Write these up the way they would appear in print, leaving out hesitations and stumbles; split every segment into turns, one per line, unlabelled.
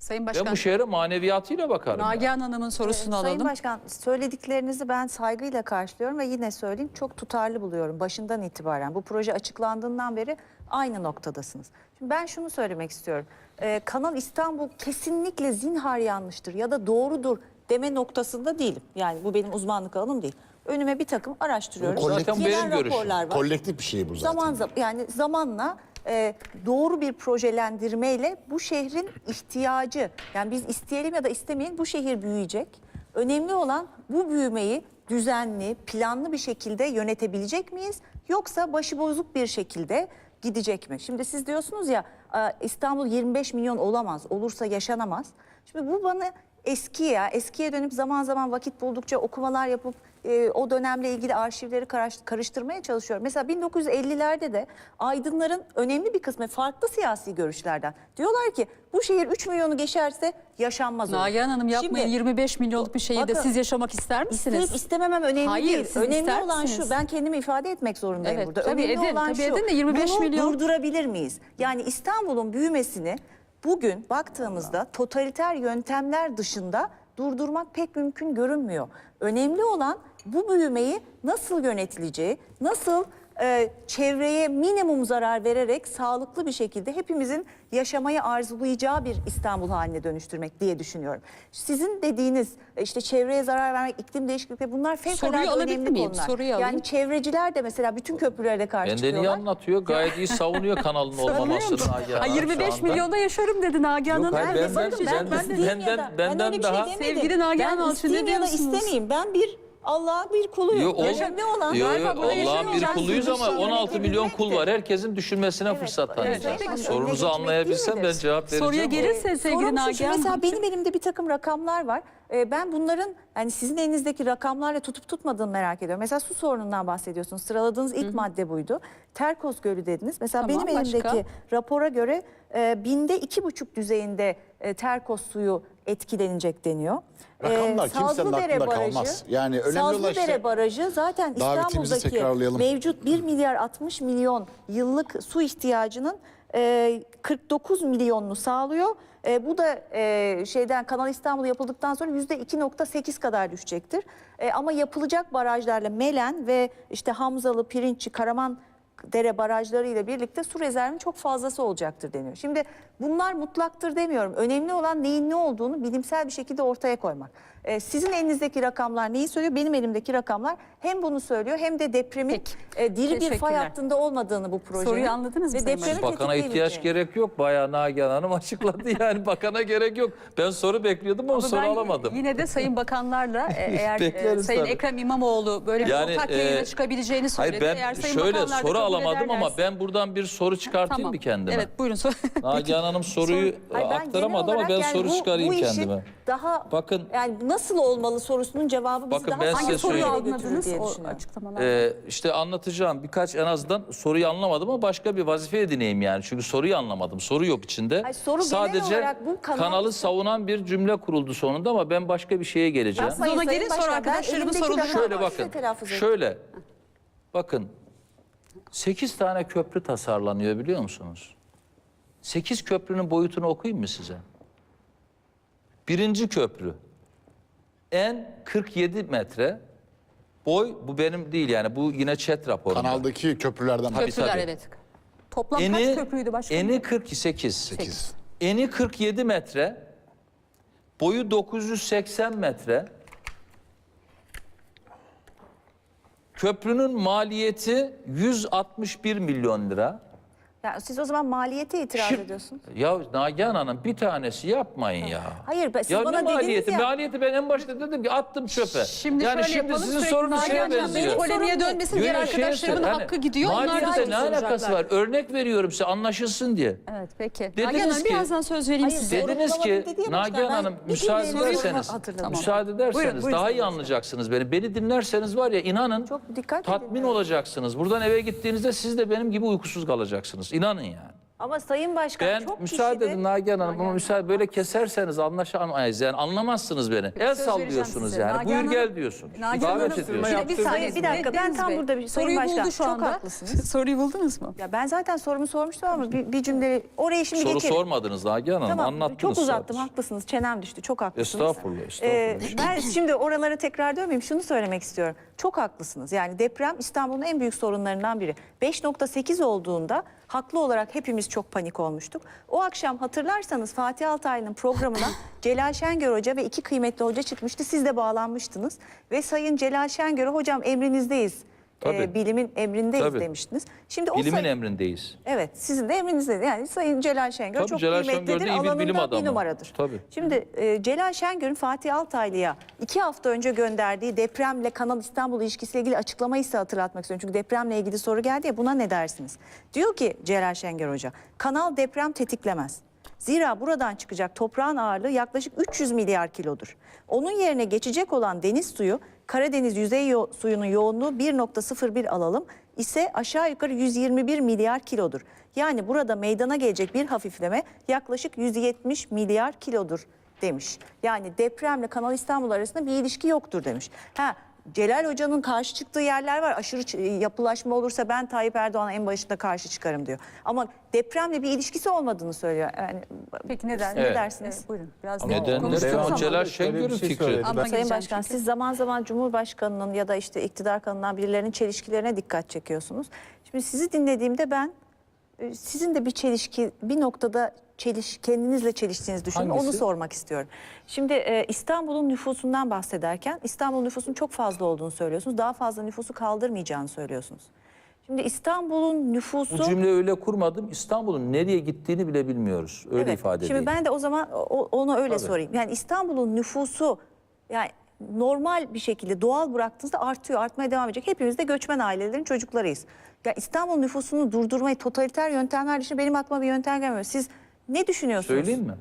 Sayın
Ben
Başkan,
bu şehre maneviyatıyla bakarım.
Nagihan Hanım'ın sorusunu
Sayın
alalım.
Başkan, söylediklerinizi ben saygıyla karşılıyorum ve yine söyleyeyim, çok tutarlı buluyorum başından itibaren. Bu proje açıklandığından beri aynı noktadasınız. Şimdi ben şunu söylemek istiyorum. Kanal İstanbul kesinlikle zinhar yanlıştır ya da doğrudur deme noktasında değilim. Yani bu benim uzmanlık alanım değil. Önüme bir takım araştırıyorum.
Bu zaten
Gelen
benim görüşüm.
raporlar var.
Kolektif bir şey bu zaten.
Zamanla doğru bir projelendirmeyle bu şehrin ihtiyacı, yani biz isteyelim ya da istemeyelim, bu şehir büyüyecek. Önemli olan bu büyümeyi düzenli, planlı bir şekilde yönetebilecek miyiz? Yoksa başıbozuk bir şekilde gidecek mi? Şimdi siz diyorsunuz ya, İstanbul 25 milyon olamaz, olursa yaşanamaz. Şimdi bu bana eskiye dönüp zaman zaman vakit buldukça okumalar yapıp o dönemle ilgili arşivleri karıştırmaya çalışıyorum. Mesela 1950'lerde de aydınların önemli bir kısmı farklı siyasi görüşlerden diyorlar ki bu şehir 3 milyonu geçerse yaşanmaz olur.
Nagihan Hanım, yapmayın.
Şimdi,
25 milyonluk bir şehirde
bakın,
siz yaşamak ister misiniz?
İsteyip istememem önemli
Hayır,
değil.
siz
Önemli
ister
olan
misiniz?
şu, ben kendimi ifade etmek zorundayım
Evet,
burada.
tabii
Önemli
edin,
olan
tabii
şu,
edin de 25
bunu
milyon.
durdurabilir miyiz? Yani İstanbul'un büyümesini bugün baktığımızda totaliter yöntemler dışında durdurmak pek mümkün görünmüyor. Önemli olan bu büyümeyi nasıl yönetileceği, nasıl çevreye minimum zarar vererek sağlıklı bir şekilde hepimizin yaşamayı arzulayacağı bir İstanbul haline dönüştürmek diye düşünüyorum. Sizin dediğiniz işte çevreye zarar vermek, iklim değişikliği, bunlar fevkalade
alabilir
önemli
miyim?
konular.
Soruyu alayım.
Yani çevreciler de mesela bütün köprülere karşı
Benden iyi
çıkıyorlar.
anlatıyor. Gayet iyi savunuyor kanalın olmamasını.
Ha, 25 milyonda yaşarım dedi Nagihan
Yok,
Hanım.
hayır,
Ben
benden daha...
Sevgili Nagihan Hanım, siz ne
isteyeyim ya da
diyorsunuz?
istemeyeyim. Ben bir Allah'a bir kuluyum. Önemli olan
Allah'ın bir kuluyuz ama
yaşayacaksınız.
16 milyon kul var. Herkesin düşünmesine fırsat tanıyacağız.
evet.
Sorunuzu
Önüne
anlayabilsem
geçmek
ben
değil
cevap vereceğim.
Soruya gelirse sevgili
Sorum şu,
Nagihan
mesela
Hanım.
benim elimde bir takım rakamlar var. Ben bunların, yani sizin elinizdeki rakamlarla tutup tutmadığını merak ediyorum. Mesela su sorunundan bahsediyorsunuz. Sıraladığınız ilk madde buydu. Terkos Gölü dediniz. Mesela
Tamam,
benim elimdeki
başka?
rapora göre binde 2,5 düzeyinde Terkos suyu etkilenecek deniyor.
Rakamlar kimsenin
Sazlıdere
aklında
Barajı,
kalmaz. Yani önemli olan
Sazlıdere
işte
Barajı zaten
davetimizi
İstanbul'daki
tekrarlayalım.
mevcut 1 milyar 60 milyon yıllık su ihtiyacının 49 milyonunu sağlıyor. Bu da Kanal İstanbul yapıldıktan sonra %2,8 kadar düşecektir. Ama yapılacak barajlarla Melen ve işte Hamzalı, Pirinççi, Karamandere barajları ile birlikte su rezervinin çok fazlası olacaktır deniyor. Şimdi bunlar mutlaktır demiyorum. Önemli olan neyin ne olduğunu bilimsel bir şekilde ortaya koymak. Sizin elinizdeki rakamlar neyi söylüyor? Benim elimdeki rakamlar hem bunu söylüyor hem de depremin diri bir fay
Teşekkürler.
hattında olmadığını bu projenin.
Soruyu anladınız mı
Ve
Sayın
depremi
Bakana ihtiyaç
tetikleyebileceğini.
gerek yok. Bayağı Nagihan Hanım açıkladı yani. Bakana gerek yok. Ben soru bekliyordum ama
Ama
soru
ben
alamadım.
Yine de Sayın Bakanlarla eğer
Bekleriz
Sayın
tabii.
Ekrem İmamoğlu böyle bir
Yani,
ortak yayına çıkabileceğini söyledi.
Hayır,
Eğer
ben
Sayın
şöyle
Bakanlar da
soru
kabul
alamadım ama
ederlerse-
ben buradan bir soru çıkartayım
Tamam.
mı kendime?
Evet, buyurun.
Nagihan Hanım soruyu
Hayır, ben
aktaramadı
genel
ama ben
olarak
soru
yani
çıkarayım
bu işin
kendime.
Daha
Bakın,
yani nasıl olmalı sorusunun cevabı bizi
Bakın,
daha
ben
hangi
size
soruya
söyleyeyim.
götürür
Anladınız
diye
o
düşünüyorum.
açıklamalar.
işte anlatacağım birkaç, en azından soruyu anlamadım ama başka bir vazife edineyim yani. Çünkü soruyu anlamadım. Soru yok içinde.
Hayır, soru genel
Sadece
olarak bu
kanalı savunan bir cümle kuruldu sonunda ama ben başka bir şeye geleceğim.
Siz ona gelin, sonra arkadaşlarımın soruları
Şöyle bakın. Şöyle. Bakın. 8 tane köprü tasarlanıyor biliyor musunuz? 8 köprünün boyutunu okuyayım mı size? Birinci köprü. En 47 metre. Boy, bu benim değil yani, bu yine ÇED raporunda.
kanaldaki köprülerden
Tabii,
Köprüler,
tabii.
evet. Toplam kaç köprüydü başkanım?
Eni 48.
8.
Eni 47 metre. Boyu 980 metre. Köprünün maliyeti 161 milyon lira.
Yani siz o zaman maliyete itiraz ediyorsunuz.
Ya Nagihan Hanım, bir tanesi yapmayın ya.
Hayır, siz
Ya
bana
ne
dediniz
maliyeti?
ya.
Maliyeti ben en başta dedim ki attım çöpe.
Şimdi
yani
şöyle
şimdi
yapalım,
sizin
sürekli
sorunuz şeye
Nagihan Hanım
benziyor.
benim polemiğe dönmesin, diğer
Yok,
arkadaşlarımın
yani
hakkı gidiyor. Onlar
Maliyette
da
ne alakası var? Örnek veriyorum size, anlaşılsın diye.
Evet, peki.
Dediniz
Nagihan Hanım,
ki-
birazdan söz vereyim
Hayır,
size.
Dediniz ki
Sorgulamadım dedi ya başkan,
Nagihan
ben
Hanım
bir
müsaade
cümleyi
ederseniz,
hatırladım.
müsaade ederseniz
Buyurun,
daha iyi
Sayın
anlayacaksınız beni. Beni dinlerseniz var ya, inanın
Çok dikkat edin.
tatmin olacaksınız. Buradan eve gittiğinizde siz de benim gibi uykusuz kalacaksınız. İnanın yani.
Ama Sayın Başkan
Ben
çok
müsaade
kişide-
edin Nagihan Hanım ama müsaade böyle keserseniz anlaşamayız yani anlamazsınız beni. El
söz
sallıyorsunuz
vereceğim size.
yani.
Nagihan
Buyur
Hanım-
gel diyorsunuz.
Nagihan
Davet
Hanım,
ediyorsunuz.
şimdi bir saniye.
Bir dakika, ben
Deniz
tam
Bey,
burada bir- Sayın
soruyu
Başkan,
buldu şu
çok
anda.
haklısınız.
Soruyu buldunuz mu?
Ya ben zaten sorumu sormuştum ama bir cümle orayı şimdi
Soru
geçelim.
sormadınız Nagihan Hanım,
Tamam,
anlattınız
çok uzattım,
sadece.
haklısınız. Çenem düştü, çok haklısınız.
Estağfurullah.
Ben şimdi oralara tekrar dönmeyeyim. Şunu söylemek istiyorum. Çok haklısınız. Yani deprem İstanbul'un en büyük sorunlarından biri. 5.8 olduğunda haklı olarak hepimiz çok panik olmuştuk. O akşam hatırlarsanız Fatih Altaylı'nın programına Celal Şengör Hoca ve iki kıymetli hoca çıkmıştı. Siz de bağlanmıştınız. Ve Sayın Celal Şengör'e hocam emrinizdeyiz.
Tabii.
Bilimin emrindeyiz
Tabii.
demiştiniz. Şimdi o
Bilimin
sayı-
emrindeyiz.
Evet, sizin de emrinizde. Yani Sayın Celal Şengör
Tabii,
çok
Celal
kıymetlidir.
Şengör de iyi bir
Alanında
bilim adamı.
bir numaradır.
Tabii.
Şimdi Celal Şengör'ün Fatih Altaylı'ya 2 hafta önce gönderdiği depremle Kanal İstanbul ilişkisiyle ilgili açıklamayı size hatırlatmak istiyorum. Çünkü depremle ilgili soru geldi ya, buna ne dersiniz? Diyor ki Celal Şengör Hoca, kanal deprem tetiklemez. Zira buradan çıkacak toprağın ağırlığı yaklaşık 300 milyar kilodur. Onun yerine geçecek olan deniz suyu, Karadeniz yüzey suyunun yoğunluğu 1.01 alalım ise aşağı yukarı 121 milyar kilodur. Yani burada meydana gelecek bir hafifleme yaklaşık 170 milyar kilodur demiş. Yani depremle Kanal İstanbul arasında bir ilişki yoktur demiş. Celal Hoca'nın karşı çıktığı yerler var. Aşırı yapılaşma olursa ben Tayyip Erdoğan'a en başında karşı çıkarım diyor. Ama depremle bir ilişkisi olmadığını söylüyor. Yani,
Peki neden?
ne
Evet.
dersiniz?
Buyurun. Biraz
Ama
daha
neden?
konuştuğumuz
Ama
zaman-
Celal
Şöyle bir
Şengör'ün
şey
fikri.
söyledi.
Ama
Sayın
geleceğim
Başkan,
çünkü.
siz zaman zaman Cumhurbaşkanı'nın ya da işte iktidar kanalından birilerinin çelişkilerine dikkat çekiyorsunuz. Şimdi sizi dinlediğimde ben sizin de bir noktada kendinizle çeliştiğinizi düşündüm. Onu
Hangisi?
sormak istiyorum. Şimdi İstanbul'un nüfusundan bahsederken İstanbul nüfusunun çok fazla olduğunu söylüyorsunuz. Daha fazla nüfusu kaldırmayacağını söylüyorsunuz. Şimdi İstanbul'un nüfusu...
Bu cümle öyle kurmadım. İstanbul'un nereye gittiğini bile bilmiyoruz. Öyle
Evet,
ifade edeyim.
Şimdi ben de o zaman onu öyle
Tabii.
sorayım. Yani İstanbul'un nüfusu yani normal bir şekilde doğal bıraktığınızda artıyor, artmaya devam edecek. Hepimiz de göçmen ailelerin çocuklarıyız. Ya İstanbul nüfusunu durdurmayı totaliter yöntemler dışında benim aklıma bir yöntem gelmiyor. Siz ne düşünüyorsunuz?
Söyleyeyim mi?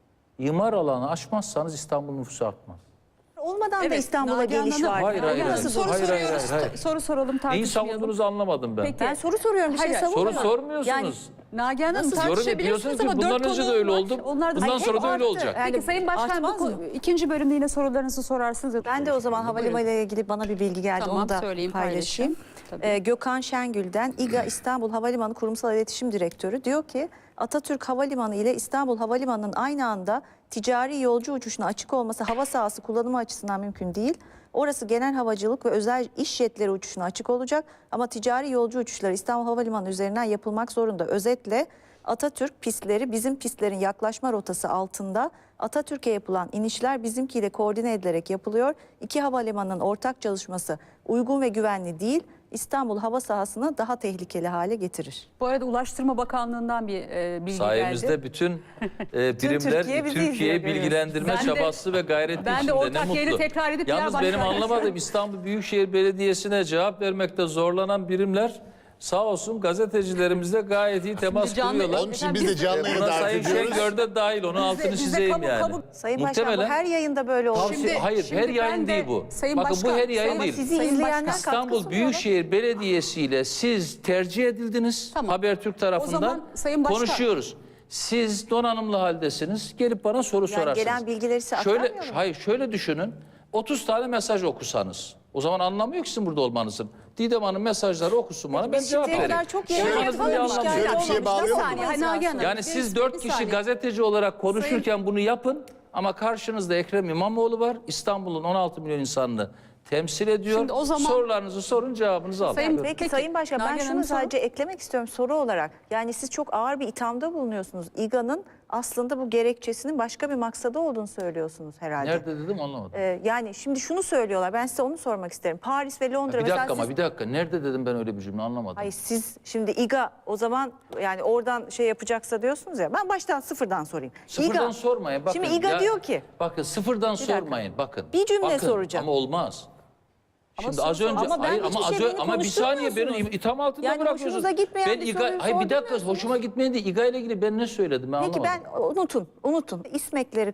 İmar alanı aşmazsanız İstanbul nüfusu artmaz.
Olmadan da İstanbul'a
Nagihan
geliş
Hanım,
var.
Hayır, hayır,
Nagihan
hayır.
Hanım, soru
Hayır, hayır,
soruyoruz.
hayır.
Soru soralım,
Neyi
tartışmayalım.
savunduğunuzu anlamadım ben.
Peki.
Ben soru soruyorum, bir şey
Hayır,
savunmuyorum.
Soru sormuyorsunuz.
Yani
Nagihan Hanım
Nasıl?
Yorum
tartışabilirsiniz
yapıyorsunuz ki
ama
bundan
4
önce de
konuğum
öyle
var.
oldu.
Onlar da
Bundan
hep
sonra da öyle
arttı.
olacak.
Yani
Peki Sayın Başkan,
artmaz mı?
ikinci bölümde yine sorularınızı sorarsınız.
Ben de o zaman havalimanı ile ilgili bana bir bilgi geldi.
Tamam,
Onu da
söyleyeyim,
paylaşayım.
paylaşın.
Gökhan Şengül'den İGA İstanbul Havalimanı Kurumsal İletişim Direktörü diyor ki Atatürk Havalimanı ile İstanbul Havalimanı'nın aynı anda ticari yolcu uçuşuna açık olması hava sahası kullanımı açısından mümkün değil. Orası genel havacılık ve özel iş jetleri uçuşuna açık olacak ama ticari yolcu uçuşları İstanbul Havalimanı üzerinden yapılmak zorunda. Özetle Atatürk pistleri bizim pistlerin yaklaşma rotası altında. Atatürk'e yapılan inişler bizimkiyle koordine edilerek yapılıyor. İki havalimanının ortak çalışması uygun ve güvenli değil, İstanbul hava sahasını daha tehlikeli hale getirir.
Bu arada Ulaştırma Bakanlığı'ndan bir bilgi
Sayemizde
geldi.
bütün birimler
Türkiye bizi izliyor,
Türkiye'yi
görüyoruz.
bilgilendirme
Ben de-
çabası ve gayreti
ben de
içinde.
ortak
Ne
yeri
mutlu.
tekrar edip
Yalnız
diğer
benim
başkanlar
anlamadığım
için-
İstanbul Büyükşehir Belediyesi'ne cevap vermekte zorlanan birimler sağ olsun gazetecilerimizle gayet iyi temas
canlı-
kuruyorlar.
Onun için biz de canlı yayına
Buna
davet
Sayın
ediyoruz.
Şengör de dahil, onun altını
bizde
çizeyim
kamu-
yani.
kamu-
Sayın Başkan, bu her yayında böyle olur.
Tavsiye- hayır,
şimdi
her yayın
ben de-
değil bu.
Sayın
Bakın
Başkan,
bu her yayın
Sayın-
değil.
Sizi
Sayın
izleyenler
Başkan,
katkı
İstanbul
sunuyorlar.
Büyükşehir Belediyesi ile siz tercih edildiniz.
Tamam.
Habertürk tarafından
O zaman Sayın Başkan-
konuşuyoruz. Siz donanımlı haldesiniz. Gelip bana soru sorarsınız.
gelen bilgileri size aktarmıyor mu?
Hayır, şöyle düşünün. 30 tane mesaj okusanız. O zaman anlamıyor ki sizin burada olmanızın. Didem Hanım mesajları okusun bana, ben
Biz
cevap
şimdiye
vereyim.
kadar çok
Şöyle
yayın
yapalım,
yapalım,
bir anlamı
şikayet
yok.
Şöyle bir şeye
olmamış.
bağlıyor
Bir
mu?
saniye,
Nagihan Hanım.
Yani siz 4 kişi gazeteci olarak konuşurken bunu yapın ama karşınızda Ekrem İmamoğlu var. İstanbul'un 16 milyon insanını temsil ediyor.
Şimdi o zaman-
Sorularınızı sorun, cevabınızı alın.
Sayın-
Peki,
Peki,
Sayın Başkan, ben
Nagihan
şunu
Hanım,
sadece eklemek istiyorum soru olarak. Yani siz çok ağır bir ithamda bulunuyorsunuz. İGA'nın aslında bu gerekçesinin başka bir maksadı olduğunu söylüyorsunuz herhalde.
Nerede dedim anlamadım.
Yani şimdi şunu söylüyorlar. Ben size onu sormak isterim. Paris ve Londra
Bir dakika
mesela
ama
siz...
bir dakika. Nerede dedim ben öyle bir cümle anlamadım.
Hayır, siz şimdi İGA o zaman yani oradan şey yapacaksa diyorsunuz ya. Ben baştan sıfırdan sorayım.
Sıfırdan
İGA,
sormayın. Bakın,
Şimdi İGA diyor ki
Bakın sıfırdan
dakika.
sormayın. Bakın.
Bir cümle
bakın,
soracağım.
Ama olmaz. Şimdi
soru
az
sor-
önce
ama ben
hayır
hiçbir
ama
şey beni
ama bir saniye beni
konuşturmuyorsunuz.
itham altında
Yani
bırakıyorsunuz.
hoşunuza gitmeyen
ben
bir
İGA,
soruyu
hayır bir dakika
sormuyorsunuz.
hoşuma gitmedi. İGA ile ilgili ben ne söyledim ben
peki
anlamadım.
ben unutun. İSMEK'leri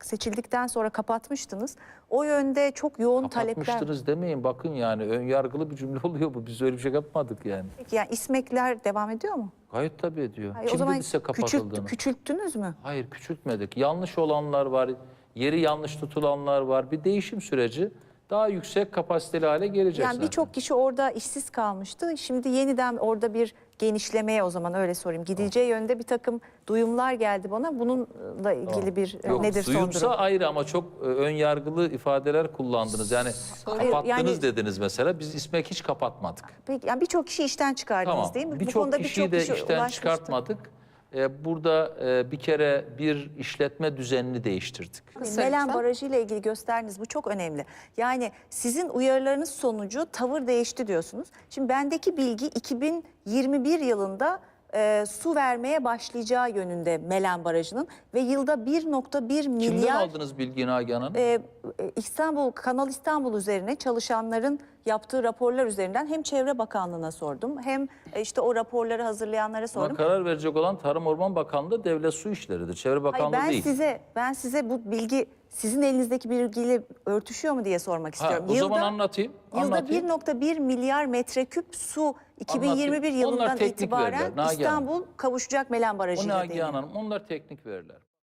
seçildikten sonra kapatmıştınız. O yönde çok yoğun talepler.
Kapatmıştınız demeyin, bakın yani ön yargılı bir cümle oluyor bu. Biz öyle bir şey yapmadık yani.
Peki yani İSMEK'ler devam ediyor mu?
Gayet tabii ediyor.
Hayır, o
Kim
zaman
dedi size kapatıldığını?
küçülttünüz mü?
Hayır, küçültmedik. Yanlış olanlar var, yeri yanlış tutulanlar var. Bir değişim süreci, daha yüksek kapasiteli hale gelecek
Yani
zaten.
birçok kişi orada işsiz kalmıştı. Şimdi yeniden orada bir genişlemeye, o zaman öyle sorayım, gidileceği yönde bir takım duyumlar geldi bana. Bununla ilgili bir
Yok,
nedir son
duyumsa
durum?
ayrı ama çok ön yargılı ifadeler kullandınız. Yani kapattınız
yani-
dediniz mesela. Biz İSMEK hiç kapatmadık.
Peki, yani birçok kişi işten çıkardınız
Tamam.
değil mi? Bu
Birçok
konuda
kişiyi de işten
ulaşmıştı.
çıkartmadık. Burada bir kere bir işletme düzenini değiştirdik.
Melen Barajı ile ilgili gösterdiğiniz bu çok önemli. Yani sizin uyarılarınız sonucu tavır değişti diyorsunuz. Şimdi bendeki bilgi 2021 yılında su vermeye başlayacağı yönünde Melen Barajı'nın ve yılda 1,1
Kimden
milyar
aldınız bilgiyi Nagihan Hanım?
Kanal İstanbul üzerine çalışanların yaptığı raporlar üzerinden hem Çevre Bakanlığı'na sordum, hem işte o raporları hazırlayanlara
Buna
sordum.
karar verecek olan Tarım Orman Bakanlığı Devlet Su İşleri'dir. Çevre Bakanlığı
Hayır,
değil.
ben size bu bilgi sizin elinizdeki bilgiyle örtüşüyor mu diye sormak istiyorum.
O zaman anlatayım.
Yılda
anlatayım.
1,1 milyar metreküp su 2021
Anlatayım.
yılından
Onlar teknik
itibaren
veriler, Nagihan Hanım.
İstanbul kavuşacak Melen
O
Barajı ile
Nagihan
deniyor.
Hanım, onlar teknik veriler.